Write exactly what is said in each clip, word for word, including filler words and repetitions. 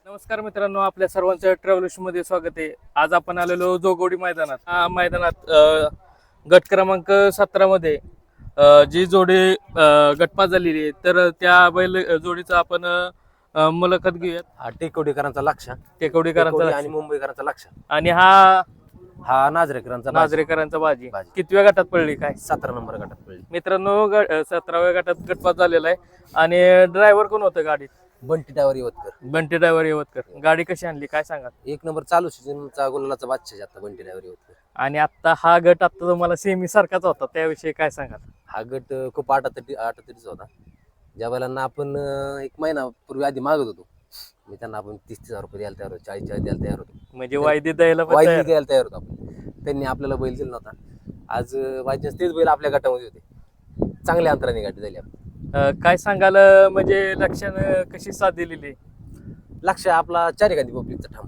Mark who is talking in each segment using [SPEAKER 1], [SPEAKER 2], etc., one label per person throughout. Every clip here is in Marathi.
[SPEAKER 1] नमस्कार मित्रांनो, आपल्या सर्वांचं ट्रॅव्हल्स मध्ये स्वागत आहे. आज आपण आलेलो जोगोडी मैदानात. हा मैदानात अ, गट क्रमांक सतरा मध्ये अ, जी जोडी अ, गटपास झालेली आहे, तर त्या बैल जोडीचा आपण अ, मुलाखत घेऊयात.
[SPEAKER 2] हा टेकवडीकरांचा लक्ष
[SPEAKER 1] टेकवडीकरांचा
[SPEAKER 2] टेकवडी
[SPEAKER 1] लक्ष.
[SPEAKER 2] आणि मुंबईकरांचा लक्ष
[SPEAKER 1] आणि हा
[SPEAKER 2] हा नाजरेकरांचा बाजी.
[SPEAKER 1] नाजरेकरांचा बाजी
[SPEAKER 2] बाजी.
[SPEAKER 1] कितव्या गटात पडली काय
[SPEAKER 2] सतरा नंबर गटात पडली.
[SPEAKER 1] मित्रांनो? ग- अ, सतराव्या गटात गटपास झालेला आहे. आणि ड्रायव्हर कोण होतं गाडीत?
[SPEAKER 2] बंटी डायवर यवतकर.
[SPEAKER 1] बंटी ड्रायव्हर येवतकर. गाडी कशी आणली काय सांगा?
[SPEAKER 2] एक नंबर चालू सीजनचा गुलालाचा बादशाह आता बंटी डायवर यवतकर.
[SPEAKER 1] आणि आता हा गट आता तुम्हाला सेमी सारखाच होता, त्याविषयी काय सांगाल?
[SPEAKER 2] हा गट अं, खूप आटातटी आटातटीचा होता. ज्या बैलांना आपण अं, एक महिना पूर्वी आधी मागत होतो, मी त्यांना आपण तीस तीस हजार रुपये द्यायला तयार होतो, चाळीस चाळीस द्यायला तयार होतो,
[SPEAKER 1] म्हणजे वायदी द्यायला पण
[SPEAKER 2] वायदी
[SPEAKER 1] तयार.
[SPEAKER 2] द्यायला तयार होतो आपण. त्यांनी आपल्याला बैल दिला नव्हता. आज बायचान्स तेच बैल आपल्या गटामध्ये होते. चांगल्या अंतराने गाडी झाली आपली.
[SPEAKER 1] अं, काय सांगाल अं, म्हणजे लक्षानं कशी साथ दिलेली?
[SPEAKER 2] लक्ष आपला चार एखादी पब्लिकचा ठाम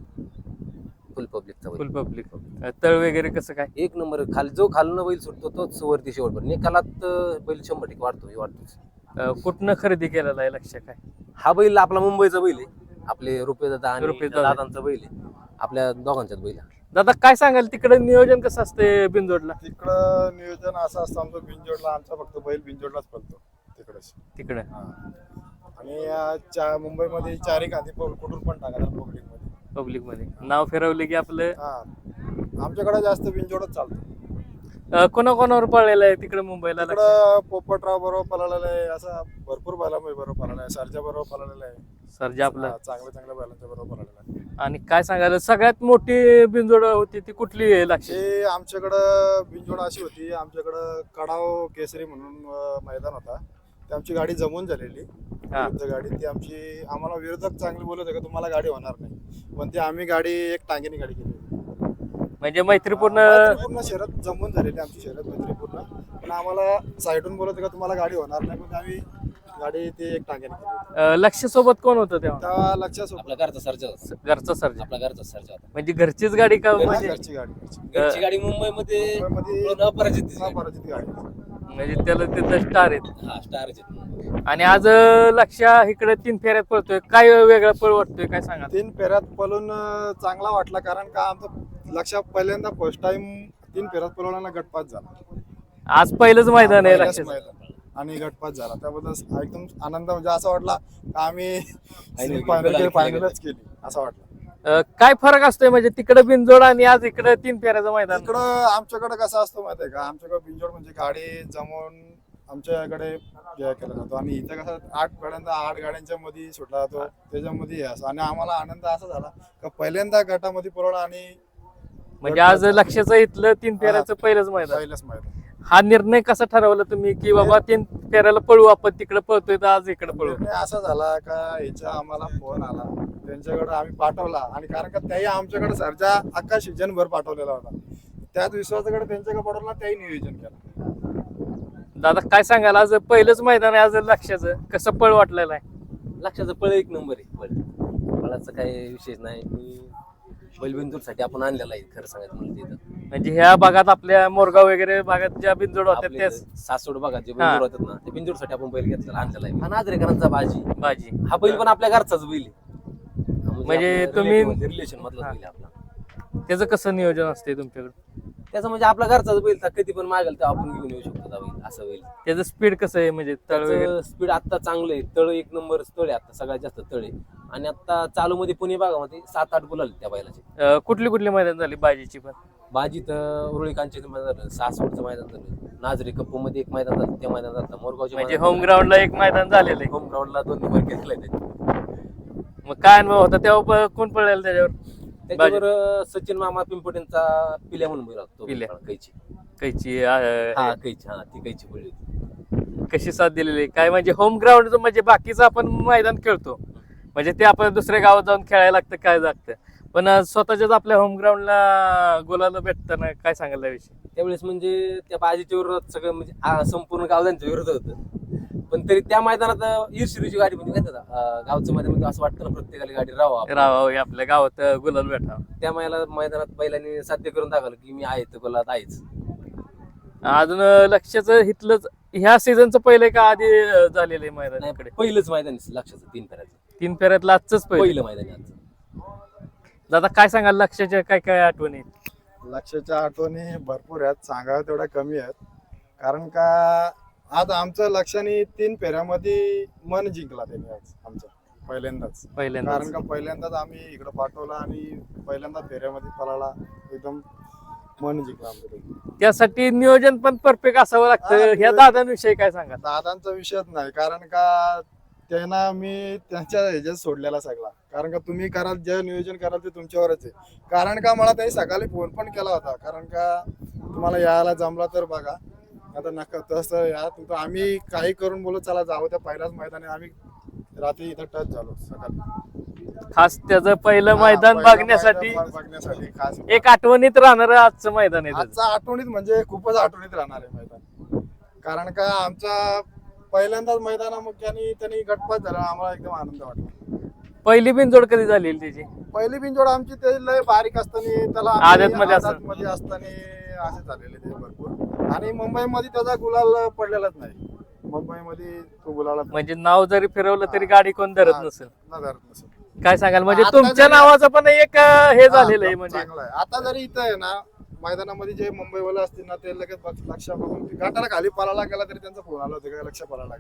[SPEAKER 2] फुल पब्लिकचा बैल.
[SPEAKER 1] Full public. तळ वगैरे कसं काय?
[SPEAKER 2] एक नंबर खाली जो खालनं बैल सुटतो तोच वरती शेवटपर्यंत निकालात अं, बैल शंभर टक्के वाढतो हे वाढतोच.
[SPEAKER 1] अं, कुठनं खरेदी केलेला आहे लक्ष काय?
[SPEAKER 2] हा बैल आपला मुंबईचा बैल आहे. आपले रुपये दादा आणि
[SPEAKER 1] रुपेश दादा.
[SPEAKER 2] दादांचा बैल आहे. आपल्या दोघांच्याच बैल आहे.
[SPEAKER 1] दादा काय सांगाल, तिकडे नियोजन कसं असते बिंदोडला?
[SPEAKER 3] तिकडं नियोजन असं असतं आमचं बिंजोडला, आमचा फक्त बैल बिंजोडलाच पडतो तिकडेच.
[SPEAKER 1] तिकडे
[SPEAKER 3] आणि अं, चा- मुंबईमध्ये चारी गांधी कुठून पण टाका पब्लिक मध्ये.
[SPEAKER 1] पब्लिक मध्ये नाव फिरवले की आपलं.
[SPEAKER 3] हा आमच्याकडे जास्त बिंजोडच चालतो.
[SPEAKER 1] अं, कोणाकोणावर पळलेलं आहे तिकडे मुंबईला लक्ष?
[SPEAKER 3] तिकडं पोपटराव बरोबर पळालेला आहे, असं भरपूर बैलांमध्ये बरोबर पळालेला आहे, सरजा बरोबर पळालेला आहे.
[SPEAKER 1] सरजे आपलं.
[SPEAKER 3] हा, चांगल्या चांगल्या बैलांच्या बरोबर पळालेला आहे.
[SPEAKER 1] आणि काय सांगाल, सगळ्यात मोठी बिंजोड होती ती कुठली आहे लक्ष?
[SPEAKER 3] हे आमच्याकडं बिंजोड अशी होती, आमच्याकडं कडाव केसरी म्हणून अं, मैदान होता. ती आमची गाडी जमून झालेली
[SPEAKER 1] हा.
[SPEAKER 3] विरुद्ध गाडी. ती आमची आम्हाला विरोधक चांगले बोलत होते का तुम्हाला गाडी होणार नाही, पण ती आम्ही गाडी एक टांगेने गाडी केली होती.
[SPEAKER 1] म्हणजे मैत्रीपूर्ण.
[SPEAKER 3] मैत्रीपूर्ण शर्यत जमून झालेली आमची शर्यत मैत्रीपूर्ण, पण आम्हाला साईडून बोलत होते का तुम्हाला गाडी होणार नाही, पण आम्ही गाडी ती एक टांगेने केली होती.
[SPEAKER 1] अं, लक्ष सोबत कोण होतं तेव्हा?
[SPEAKER 3] त्या लक्षात
[SPEAKER 2] आपला घरचा सर्जा होता.
[SPEAKER 1] घरचा सर्जा.
[SPEAKER 2] आपला घरचा सर्जा होता.
[SPEAKER 1] म्हणजे घरचीच गाडी का? म्हणजे
[SPEAKER 3] घरची गाडी घरची.
[SPEAKER 2] घरची गाडी मुंबईमध्ये
[SPEAKER 3] मुंबईमध्ये
[SPEAKER 2] अपराजित दिसली.
[SPEAKER 3] अपराजित गाडी.
[SPEAKER 1] म्हणजे त्याला तिथं स्टार आहेत.
[SPEAKER 2] हा स्टारची.
[SPEAKER 1] आणि आज लक्ष इकडे तीन फेऱ्यात पळतोय, काय वेगळा पळ वाटतोय काय सांगा?
[SPEAKER 3] तीन फेऱ्यात पळून अं, चांगला वाटला, कारण का आमचं लक्षात पहिल्यांदा फर्स्ट टाइम तीन फेऱ्यात पळवल्यानं गटपास झाला.
[SPEAKER 1] आज पहिलंच मैदान आहे
[SPEAKER 3] पहिल्याच
[SPEAKER 1] लक्ष.
[SPEAKER 3] मैदान. आणि गटपास झाला, त्याबद्दल एकदम आनंद, म्हणजे असं वाटला का आम्ही
[SPEAKER 2] Final
[SPEAKER 3] फायनल
[SPEAKER 2] केली.
[SPEAKER 3] फायनलच केली असं वाटलं.
[SPEAKER 1] काय फरक असतोय म्हणजे तिकडे बिनजोड आणि आज इकडे तीन फेऱ्याचं मैदान?
[SPEAKER 3] इकडं आमच्याकडे कसं असतं माहिती आहे का, आमच्याकडे बिंजोड म्हणजे गाडी जमवून आमच्याकडे हे केला जातो, आणि इथं कसं आठ गाड्यांचा आठ गाड्यांच्या मध्ये सुटला जातो, त्याच्यामध्ये हे असं. आणि आम्हाला आनंद असा झाला का पहिल्यांदा गटामध्ये पळवला, आणि
[SPEAKER 1] म्हणजे आज लक्षाचं इथलं तीन फेऱ्याचं पहिलंच मैदान.
[SPEAKER 3] पहिलंच मैदान.
[SPEAKER 1] हा निर्णय कसा ठरवला तुम्ही की बाबा तीन फेऱ्याला पळू आपण, तिकडे पळतोय तर आज इकडे पळू?
[SPEAKER 3] निर्णय असा झाला का ह्याच्या आम्हाला फोन आला, त्यांच्याकडे आम्ही पाठवला, आणि कारण का त्याही आमच्याकडे सरजा अख्खा सीजनभर पाठवलेला होता, त्याच विश्वासाकडे त्यांच्याकडे पाठवला, त्याही नियोजन केलं.
[SPEAKER 1] दादा काय सांगाल, आज पहिलंच मैदान आहे, आज लक्षाचं कसं पळ वाटलेलं आहे?
[SPEAKER 2] लक्षाचं पळ एक नंबर आहे. पळ पळाचा काही विशेष नाही. मी बैलबिंदूरसाठी आपण आणलेला आहे खरं सांगायचं म्हणजे तिथं.
[SPEAKER 1] म्हणजे ह्या भागात आपल्या मोरगाव वगैरे भागात ज्या बिनजोड होत्या
[SPEAKER 2] आपले
[SPEAKER 1] त्याच
[SPEAKER 2] सासवड बघा जे बिंदूर होतात ना, ते बिंदूरसाठी आपण बैल घेतलेला आणलेला आहे. हा नाजरेकरांचा बाजी.
[SPEAKER 1] भाजी.
[SPEAKER 2] हा बैल पण आपल्या घरचाच बैल आहे.
[SPEAKER 1] म्हणजे तुम्ही-
[SPEAKER 2] रिलेशन मधला बैल आहे आपला.
[SPEAKER 1] त्याचं कसं नियोजन असते तुमच्याकडे?
[SPEAKER 2] त्याचं म्हणजे आपला घरचाच बैल तर कधी पण मागेल तर आपण घेऊन येऊ शकतो त्या बैल, असं बैल.
[SPEAKER 1] त्याचं स्पीड कसं आहे म्हणजे तळ वगैरे?
[SPEAKER 2] स्पीड आता चांगलं आहे. तळ एक नंबर तळ आहे आता, सगळ्यात जास्त तळ आहे. आणि आता चालू मध्ये पुणे भागामध्ये सात आठ गुलाल आहेत त्या बैलाचे.
[SPEAKER 1] अं, कुठली कुठली मैदान झाली बाजीची पण?
[SPEAKER 2] बाजी तर उरुळीकांचे मैदान झालं, सासवडचं मैदान झालं, नाजरे कप्पू मध्ये एक मैदान झालं, ते मैदान झालं, मोरगावचे
[SPEAKER 1] म्हणजे होम ग्राउंडला एक मैदान झालेलं आहे.
[SPEAKER 2] होम ग्राउंडला दोन नंबर केलेला आहे त्यांनी.
[SPEAKER 1] मग काय अनुभव होता तेव्हा, प- कोण पळलेलं त्याच्यावर?
[SPEAKER 2] त्याच्यावर अं, सचिन मामा पिंपटेंचा पिल्या म्हणून बैल होता तो.
[SPEAKER 1] पिल्या.
[SPEAKER 2] कैची.
[SPEAKER 1] कैची
[SPEAKER 2] हा
[SPEAKER 1] अं,
[SPEAKER 2] कैची, हा ती कैची बैल होती.
[SPEAKER 1] कशी साथ दिलेली आहे? काय म्हणजे होम ग्राउंड म्हणजे बाकीचं आपण मैदान खेळतो, म्हणजे ते आपण दुसऱ्या गावात जाऊन खेळायला लागतं काय लागतं, पण अं, स्वतःच्याच आपल्या होम ग्राउंडला गोलाला भेटताना काय सांगायला विषय?
[SPEAKER 2] त्यावेळेस म्हणजे त्या बाजीच्या विरोधात सगळं म्हणजे आ, संपूर्ण गाव त्यांच्या विरोधात होतं. पण तरी त्या मैदानात ईर्षिरीची गाडी म्हणजे काय त्याचा गावचं मैदान म्हणजे असं वाटतं ना प्रत्येकाला गाडी राहावं आपण.
[SPEAKER 1] राव आपल्या गावात गुलाल भेटा.
[SPEAKER 2] त्या मैला मैदानात बैलांनी साध्य करून दाखवलं की मी आहे तर गोलात आहेच.
[SPEAKER 1] अजून लक्षाचं इथलंच ह्या सीझनचं पहिले का आधी अं, झालेलं आहे मैदान
[SPEAKER 2] नाही,
[SPEAKER 1] इकडे?
[SPEAKER 2] पहिलंच मैदान आहे लक्षाचं तीन फेऱ्याचं.
[SPEAKER 1] तीन फेऱ्यातलं आजच पहिलं.
[SPEAKER 2] पहिलं मैदान आहे आजचं.
[SPEAKER 1] दादा काय सांगाल लक्षाच्या काय काय आठवणी आहेत?
[SPEAKER 3] लक्षाच्या आठवणी भरपूर आहेत, सांगाव्या तेवढ्या कमी आहेत. कारण का आज आमचं लक्षाने तीन फेऱ्यामध्ये मन जिंकला त्यांनी आज आमचं पहिल्यांदाच.
[SPEAKER 1] पहिल्यांदा
[SPEAKER 3] कारण का पहिल्यांदाच आम्ही इकडे पाठवला आणि पहिल्यांदा फेऱ्यामध्ये पळाला, एकदम मन जिंकला आमचं त्यांनी.
[SPEAKER 1] त्यासाठी नियोजन पण परफेक्ट असावं लागतं.
[SPEAKER 3] हा,
[SPEAKER 1] ह्या
[SPEAKER 3] नियोजन-
[SPEAKER 1] दादांविषयी काय सांगाल?
[SPEAKER 3] दादांचा विषयच नाही, कारण का त्यांना मी त्यांच्या ह्याच्यात सोडलेला सगळा. कारण का तुम्ही कराल जे नियोजन कराल ते तुमच्यावरच आहे. कारण का मला त्यांनी सकाळी फोन पण केला होता, कारण का तुम्हाला यायला जमला तर बघा, आता नका तसं या तुमचं आम्ही काही करून बोलू चला जाऊ त्या पहिल्याच मैदानी. आम्ही रात्री इथं टच झालो सकाळी,
[SPEAKER 1] खास त्याचं पहिलं
[SPEAKER 3] हा,
[SPEAKER 1] मैदान
[SPEAKER 3] पहिलं
[SPEAKER 1] बघण्यासाठी
[SPEAKER 3] मैदान बघण्यासाठी खास
[SPEAKER 1] एक आठवणीत राहणार आजचं मैदान आहे त्याचं.
[SPEAKER 3] आजचा आठवणीत म्हणजे खूपच आठवणीत राहणार आहे मैदान. कारण का आमचा पहिल्यांदाच मैदानामुळे त्यांनी गटपात झाला, आम्हाला एकदम आनंद वाटला.
[SPEAKER 1] पहिली बिनजोड कधी झालेली त्याची?
[SPEAKER 3] पहिली बिनजोड आमची ते लय बारीक असताना त्याला आम्ही
[SPEAKER 1] आदतमध्ये असताना.
[SPEAKER 3] आदतमध्ये असताना असे झालेले ते भरपूर. आणि मुंबईमध्ये त्याचा गुलाल पडलेलाच नाही, मुंबईमध्ये तो गुलाला
[SPEAKER 1] म्हणजे नाव जरी फिरवलं तरी गाडी कोण धरत नसेल.
[SPEAKER 3] धरत नसेल.
[SPEAKER 1] काय सांगाल म्हणजे
[SPEAKER 3] आता
[SPEAKER 1] तुमच्या
[SPEAKER 3] जरी-
[SPEAKER 1] नावाचं पण एक अं, हे झालेलं आहे
[SPEAKER 3] हा,
[SPEAKER 1] म्हणजे
[SPEAKER 3] चांगलं आहे. आता जरी इथं आहे ना मैदानामध्ये जे मुंबईवाले असतील ना, ते लगेच बघ- लक्ष बघून गाठाला खाली पळायला गेला तरी त्यांचा फोन आला होता का लक्ष पळायला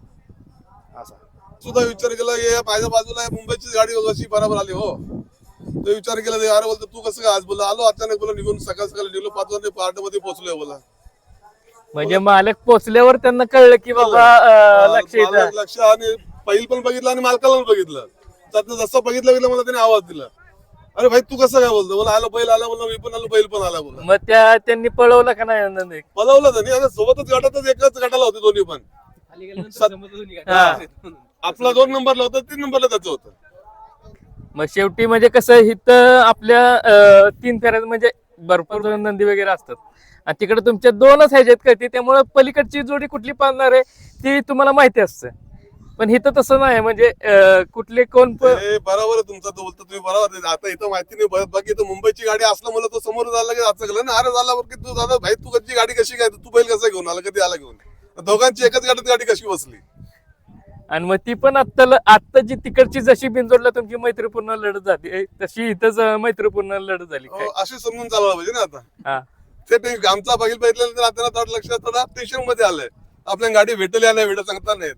[SPEAKER 3] गेला असा.
[SPEAKER 4] सुद्धा विचार केला की माझ्या बाजूला मुंबईची गाडी कशी बरोबर आली हो. तो विचार केला ते अरे बोलतो तू कसं काय आज बोला आलो अचानक बोला निघून सकाळ सकाळी निघलो पाच वाजता पार्ट मध्ये पोहोचलोय बोला.
[SPEAKER 1] म्हणजे मालक पोचल्यावर त्यांना कळलं की बाबा अं, लक्ष
[SPEAKER 4] मला
[SPEAKER 1] इथं.
[SPEAKER 4] लक्ष आणि पहिल पण बघितलं आणि मालकाला पण बघितलं. त्यातनं जसं बघितलं गेलं मला त्याने आवाज दिला, अरे भाई तू कसं काय बोलतो बोला आलो बैल आला बोला मी पण आलो बैल पण आला बोला.
[SPEAKER 1] मग त्या त्यांनी पळवलं का नाही नंतर?
[SPEAKER 4] पळवलं त्यांनी आता सोबतच गटातच एकच गटाला होते दोन्ही पण.
[SPEAKER 2] खाली गेल्यानंतर
[SPEAKER 4] सत-
[SPEAKER 2] समजलं दोन्ही
[SPEAKER 1] हा.
[SPEAKER 2] गाडी.
[SPEAKER 4] आपला दोन नंबरला होता तीन नंबरला त्याचं होतं.
[SPEAKER 1] मग शेवटी म्हणजे कसं इथं आपल्या अं, तीन फेऱ्यात म्हणजे भरपूर नंदी वगैरे असतात आणि तिकडे तुमच्या दोनच ह्याच्यात कळते, त्यामुळे पलीकडची जोडी कुठली पाळणार आहे ती तुम्हाला माहिती असतं. पण इथं तसं नाही, म्हणजे अं, कुठले कोण प-
[SPEAKER 4] हे बरोबर आहे तुमचं तो बोलतो तुम्ही बरोबर आहे. आता इथं माहिती नाही बघ- बाकी इथं मुंबईची गाडी असलं मला तो समोर झाला की असं गेलं ना अरे झाला बरं की तू दादा भाई तू कधी गाडी कशी काय तू बैल कसा घेऊन आला कधी आला घेऊन. दोघांची एकच गाडीत गाडी कशी बसली.
[SPEAKER 1] आणि मग ती पण आत्ता आत्ता जी तिकडची जशी बिंजोडला तुमची मैत्रीपूर्ण लढत झाली तशी इथंच अं, मैत्रीपूर्ण लढत झाली काय?
[SPEAKER 4] हो, अशी समजून चालवलं पाहिजे ना आता.
[SPEAKER 1] हा.
[SPEAKER 4] ते ते आमचा बघील बघितल्यानंतर आपल्याला थोडं लक्षात थोडा टेन्शन मध्ये आलंय आपल्या गाडी भेटेल या नाही भेटत सांगता नाहीत.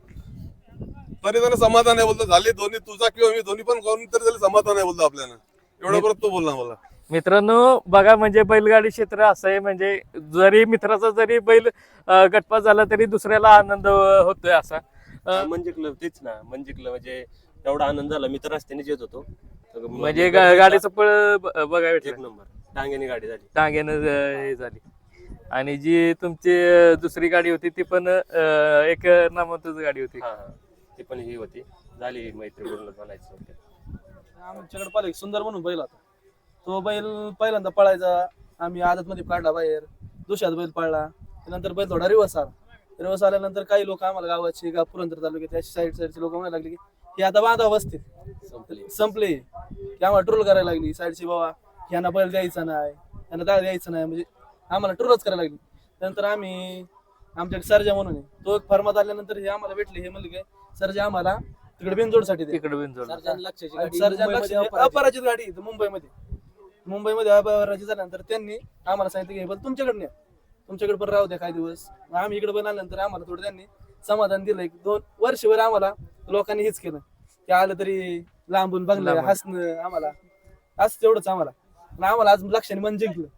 [SPEAKER 4] तरी त्यानं समाधान आहे बोलतो झाली दोन्ही तुझा किंवा मी दोन्ही पण कोण तरी झाली समाधान आहे बोलतो आपल्याला. एवढं परत तो बोलला मला.
[SPEAKER 1] मित्रांनो बघा म्हणजे बैलगाडी क्षेत्र असं आहे, म्हणजे जरी मित्राचा जरी बैल अं, गटपास झाला तरी दुसऱ्याला आनंद अं, होतोय असा. अं,
[SPEAKER 5] म्हणजे क्लब तेच ना म्हणजे क्लब म्हणजे एवढा आनंद झाला मित्र रस्त्याने येत होतो तर म-
[SPEAKER 1] म्हणजे गा- गाडीचं पळ ब- बघायला
[SPEAKER 5] एक
[SPEAKER 1] भेटलं.
[SPEAKER 5] नंबर टांग्याने गाडी झाली.
[SPEAKER 1] टांग्यानं अं, हे झाली. आणि जी तुमची अं, दुसरी गाडी होती ती पण अं, एक नामांतच गाडी होती.
[SPEAKER 5] हा हा ती पण ही होती झाली मैत्री पूर्ण म्हणायचं होते.
[SPEAKER 6] आमच्याकडे पाहिलं एक सुंदर म्हणून बैल होता. तो बैल पहिल्यांदा पळायचा, आम्ही आदत मध्ये काढला बाहेर, दुसऱ्यात बैल पळला, त्यानंतर बैल थोडा रिवर्स आला. रिवर्स आल्यानंतर काही लोक आम्हाला गावाची गाव पुरंदर तालुक्यात साईड साईडचे लोक म्हणायला लागले की हे आता बांधा बसतील
[SPEAKER 5] संपली.
[SPEAKER 6] संपले, की आम्हाला ट्रोल करायला लागली साईडची, बाबा यांना बैल द्यायचा नाही, यांना दाळ द्यायचं नाही, म्हणजे आम्हाला ट्रोलच करायला लागली. त्यानंतर आम्ही आमच्याकडे सर्जा म्हणून आहे, तो एक फर्मात आल्यानंतर हे आम्हाला भेटले, हे म्हणले काय सर्जा आम्हाला तिकडे बिनजोडसाठी दे.
[SPEAKER 1] तिकडे बिनजोड.
[SPEAKER 2] सर्जन लक्षाची
[SPEAKER 6] आणि
[SPEAKER 2] गाडी
[SPEAKER 6] सर्जन
[SPEAKER 2] मुंबईमध्ये
[SPEAKER 6] लक्ष-
[SPEAKER 2] अपराजित.
[SPEAKER 6] अपराजित गाडी इथं मुंबईमध्ये मुंबईमध्ये अपराजित झाल्यानंतर त्यांनी आम्हाला सांगितलं की हे बैल तुमच्याकडे न्या, तुमच्याकडे पण राहू द्या काही दिवस. मग आम्ही इकडे पण आल्यानंतर आम्हाला थोडं त्यांनी समाधान दिलं. एक दोन वर्षभर आम्हाला लोकांनी हेच केलं, ते आलं तरी लांबून बघलं,
[SPEAKER 1] लांबून.
[SPEAKER 6] हसणं आम्हाला असं तेवढंच आम्हाला. आणि आम्हाला आज लक्षाने मन जिंकलं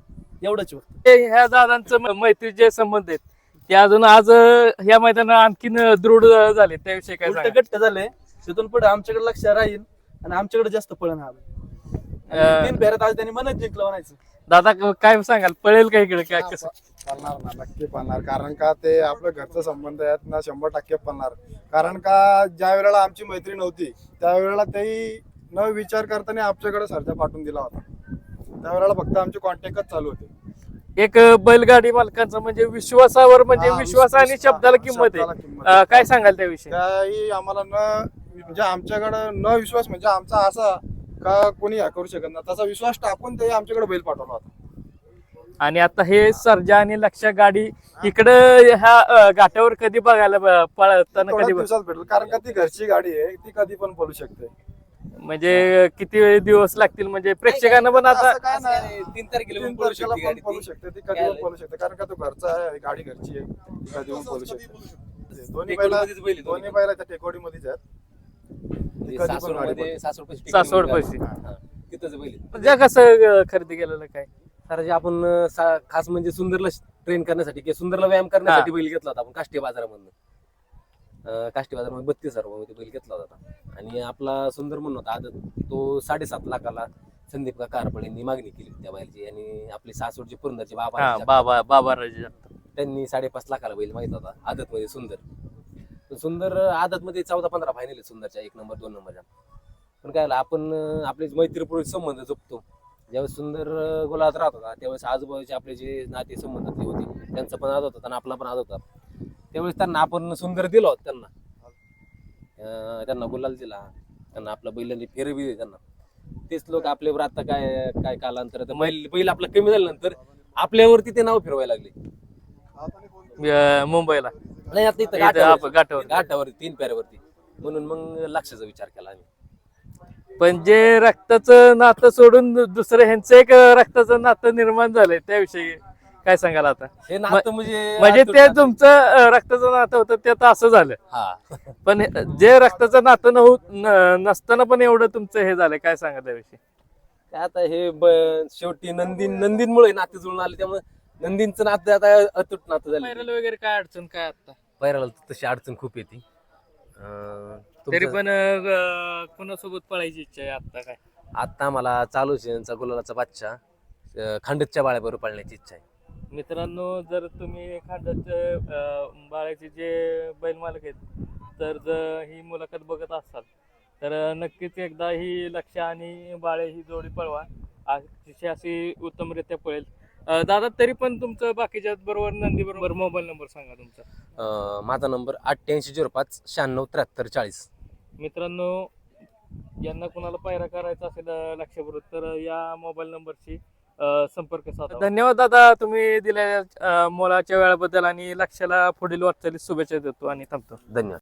[SPEAKER 6] एवढंच होतं.
[SPEAKER 1] ते ह्या दादांचं म- मैत्रीचे संबंध आहेत ते अजून आज अं, ह्या मैदानात आणखीन अं, दृढ झाले. त्याविषयी काय
[SPEAKER 6] उलट
[SPEAKER 1] सांगाल?
[SPEAKER 6] गट्ट झाले, तिथून पुढे आमच्याकडे लक्ष राहील आणि आमच्याकडे जास्त पळण हा बैल. आणि
[SPEAKER 1] अं,
[SPEAKER 6] तीन फेऱ्यात आज त्यांनी मनच जिंकलं म्हणायचं.
[SPEAKER 1] दादा क- काय सांगाल पळेल का इकडे काय कसं?
[SPEAKER 3] पळणार ना, नक्की पळणार. कारण का ते आपलं घरचं संबंध आहेत ना, शंभर टक्के पळणार. कारण का ज्या वेळेला आमची मैत्री नव्हती त्यावेळेला तेही न विचार करताना आमच्याकडे सर्जा पाठवून दिला होता. त्यावेळेला फक्त आमचे कॉन्टॅक्टच चालू होते.
[SPEAKER 1] एक अं, बैलगाडी मालकांचा म्हणजे विश्वासावर म्हणजे
[SPEAKER 3] हा,
[SPEAKER 1] विश्वास आणि
[SPEAKER 3] विश्वास-
[SPEAKER 1] शब्दाला
[SPEAKER 3] हा,
[SPEAKER 1] किंमत
[SPEAKER 3] शब्दाला
[SPEAKER 1] आहे.
[SPEAKER 3] किंमत
[SPEAKER 1] अं,
[SPEAKER 3] आहे.
[SPEAKER 1] काय सांगाल त्याविषयी?
[SPEAKER 3] त्याही आम्हाला न म्हणजे आमच्याकडे न विश्वास म्हणजे आमचा असा का कोणी ह्या करू शकत नाही तसा विश्वास टाकून ते आमच्याकडे बैल पाठवला होता.
[SPEAKER 1] आणि आता हे सर्जा आणि लक्ष गाडी इकडे ह्या अं, घाटावर कधी बघायला ब- पळताना
[SPEAKER 3] थोड्या
[SPEAKER 1] कधी बघ-
[SPEAKER 3] दिवसात भेटेल, कारण का ती घरची गाडी आहे, ती कधी पण पळू शकते.
[SPEAKER 1] म्हणजे किती वेळ दिवस लागतील म्हणजे प्रेक्षकांना पण आता
[SPEAKER 3] असं काय
[SPEAKER 2] असं काय
[SPEAKER 3] नाही
[SPEAKER 2] नाही, तीन तारखेला
[SPEAKER 3] तीन
[SPEAKER 2] पण पळू
[SPEAKER 3] तारखेला
[SPEAKER 2] शकते
[SPEAKER 3] पण
[SPEAKER 2] गाडी
[SPEAKER 3] पळू
[SPEAKER 2] ती.
[SPEAKER 3] शकते ती कधी पण पळू शकते कारण का तो घरचा आहे गाडी घरची आहे ती कधी पण पळू शकते दोन्ही बैला
[SPEAKER 2] टेकडीमध्येच बैल आहे
[SPEAKER 3] दोन्ही
[SPEAKER 2] दोन्ही
[SPEAKER 3] बैला त्या टेकोडीमध्येच आहेत
[SPEAKER 2] म्हणजे
[SPEAKER 3] कधी पण गाडी
[SPEAKER 2] सासवडमध्ये
[SPEAKER 3] पळते.
[SPEAKER 2] सासवड
[SPEAKER 1] सासवड पैसे
[SPEAKER 2] तिथंच बैल आहे.
[SPEAKER 1] म्हणजे कसं अं, खरेदी केलेलं काय
[SPEAKER 2] सर जे आपण अं, सा- खास म्हणजे सुंदरला ट्रेन करण्यासाठी किंवा सुंदरला व्यायाम करण्यासाठी बैल घेतला होता आपण काष्टी बाजारामधून अं, काष्टी बाजारामध्ये बत्तीस हजार रुपये बैल घेतला होता आणि आपला सुंदर म्हणून होता आदत तो साडेसात लाखाला संदीप का कारपळ यांनी मागणी केली त्या बैलची आणि आपली सासवडची पुरंदरची बाबा
[SPEAKER 1] हा बाबा बाबा राजे
[SPEAKER 2] त्यांनी साडेपाच लाखाला बैल मागितला होता आदत मध्ये सुंदर पण सुंदर आदत मध्ये चौदा पंधरा फायनल आहे सुंदरच्या एक नंबर दोन नंबरच्या पण काय झालं, आपण अं, आपले मैत्रीपूर्वक संबंध जपतो ज्यावेळेस सुंदर अं, गोलात राहत होता त्यावेळेस आजूबाजूचे आपले जे नाते संबंधातले होते त्यांचा पण आदत होता आणि आपला पण आदत होता त्यावेळेस त्यांना आपण सुंदर दिला होता त्यांना अं, त्यांना गुलाल दिला त्यांना आपला बैलांनी फेरवी दिली त्यांना तेच लोक आपल्यावर आता काय काय कालांतर तर बैल बैल आपला कमी झाल्यानंतर आपल्यावरती ते नाव फिरवायला लागले
[SPEAKER 1] अं, मुंबईला
[SPEAKER 2] नाही आता इथं
[SPEAKER 1] इथं
[SPEAKER 2] घाटावर
[SPEAKER 1] आप- घाटावर.
[SPEAKER 2] घाटावरती तीन प्याऱ्यावरती म्हणून मग लक्षाचा विचार केला आम्ही
[SPEAKER 1] पण जे रक्ताचं नातं सोडून दु- दुसरं ह्यांचं एक अं, रक्ताचं नातं निर्माण झालंय त्याविषयी काय सांगाल आता
[SPEAKER 2] हे नातं म्हणजे
[SPEAKER 1] म्हणजे
[SPEAKER 2] अतूट
[SPEAKER 1] ते
[SPEAKER 2] नातं.
[SPEAKER 1] तुमचं अं, रक्ताचं नातं होतं ते आता असं झालं
[SPEAKER 2] हा
[SPEAKER 1] पण हे- जे रक्ताचं नातं नव्ह न- नसताना पण एवढं तुमचं हे झालंय काय सांगा त्याविषयी
[SPEAKER 2] काय आता हे ब- शेवटी नंदीन नंदीनमुळे नाते जुळून आले त्यामुळे नंदीनचं नातं आता अतूट नातं झालं
[SPEAKER 1] पैराला वगैरे काय अडचण काय आता
[SPEAKER 2] पैराला तशी अडचण खूप येते अं,
[SPEAKER 1] तरी
[SPEAKER 2] तुमचं-
[SPEAKER 1] पण अं, कोणासोबत पळायची इच्छा आहे आता काय
[SPEAKER 2] आता मला चालू शेणचा गुलालाचा बादशा अं, खांडतच्या बाळ्याबरोबर पाळण्याची इच्छा आहे
[SPEAKER 1] मित्रांनो जर तुम्ही खांडाचे बाळाचे जे बैल मालक आहेत तर जर ही मुलाखत बघत असाल तर नक्कीच एकदा ही लक्ष आणि बाळे ही जोडी पळवा अतिशय अशी उत्तमरित्या पळेल. अं, दादा तरी पण तुमचं बाकीच्या बरोबर नंदी बरोबर मोबाईल नंबर सांगा तुमचा.
[SPEAKER 2] अं, माझा नंबर अठ्ठ्याऐंशी झिरो पाच शहाण्णव त्र्याहत्तर चाळीस.
[SPEAKER 1] मित्रांनो यांना कुणाला पायरा करायचा असेल अं, लक्षाबरोबर तर या मोबाईल नंबरशी अं, संपर्क साधा. धन्यवाद दादा तुम्ही दिलेल्या अं, मोलाच्या वेळाबद्दल आणि लक्षाला पुढील वाटचालीस शुभेच्छा देतो आणि थांबतो.
[SPEAKER 2] धन्यवाद.